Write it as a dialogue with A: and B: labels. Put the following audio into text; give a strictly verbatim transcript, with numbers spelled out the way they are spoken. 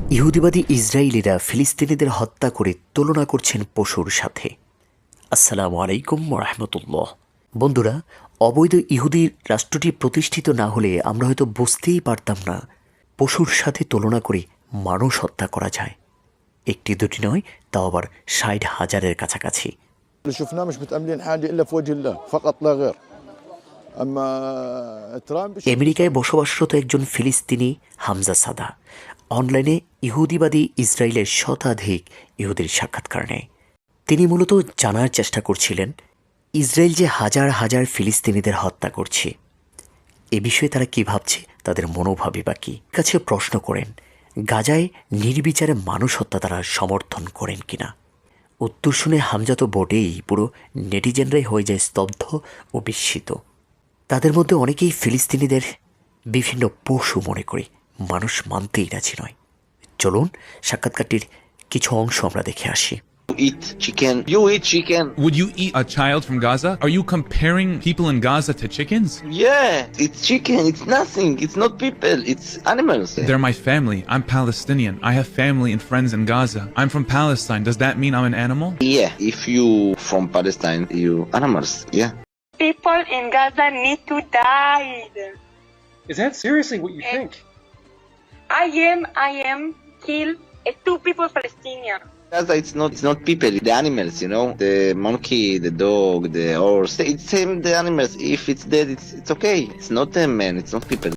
A: ইহুদিবাদী ইসরায়েলিরা ফিলিস্তিনিদের হত্যা করে তুলনা করছেন পশুর সাথে। আসসালামু আলাইকুম রাহমাতুল্লাহ। বন্ধুরা, অবৈধ ইহুদি রাষ্ট্রটি প্রতিষ্ঠিত না হলে আমরা হয়তো বুঝতেই পারতাম না পশুর সাথে তুলনা করে মানুষ হত্যা করা যায়। একটি দুটি নয়, তাও আবার ষাট হাজারের কাছাকাছি।
B: اللي شفناه مش متأملين حاجة إلا في وجه الله فقط لا غير. أما ترامب
A: আমেরিকায় বসবাসরত একজন ফিলিস্তিনি হামজা সাদা অনলাইনে ইহুদিবাদী ইসরায়েলের শতাধিক ইহুদির সাক্ষাৎকার নেয়। তিনি মূলত জানার চেষ্টা করছিলেন ইসরায়েল যে হাজার হাজার ফিলিস্তিনিদের হত্যা করছে, এ বিষয়ে তারা কী ভাবছে, তাদের মনোভাবই বা কী। কাছে প্রশ্ন করেন গাজায় নির্বিচারে মানুষ হত্যা তারা সমর্থন করেন কিনা। উত্তর শুনে হামজা তো বোর্ডেই, পুরো নেটিজেনরাই হয়ে যায় স্তব্ধ ও বিস্মিত। তাদের মধ্যে অনেকেই ফিলিস্তিনিদের বিভিন্ন পশু মনে করে, মানুষ মানতেই রাজি নয়। চলুন সাক্ষাৎকারটির কিছু অংশ আমরা দেখে আসি।
C: Eat chicken. You eat chicken.
D: Would you eat a child from Gaza? Are you comparing people in Gaza to chickens?
C: Yeah, it's chicken. It's nothing. It's not people. It's animals.
D: They're my family. I'm Palestinian. I have family and friends in Gaza. I'm from Palestine. Does that mean I'm an animal?
C: Yeah, if you from Palestine, you animals. Yeah.
E: People in Gaza need to die.
F: Is that seriously what you think?
E: I am, I am killed uh, two people Palestinian.
C: Gaza, it's not. It's not people. The animals. You know, the monkey, the dog, the horse. It's same. The animals. If it's dead, it's it's okay. It's not a man. It's not people.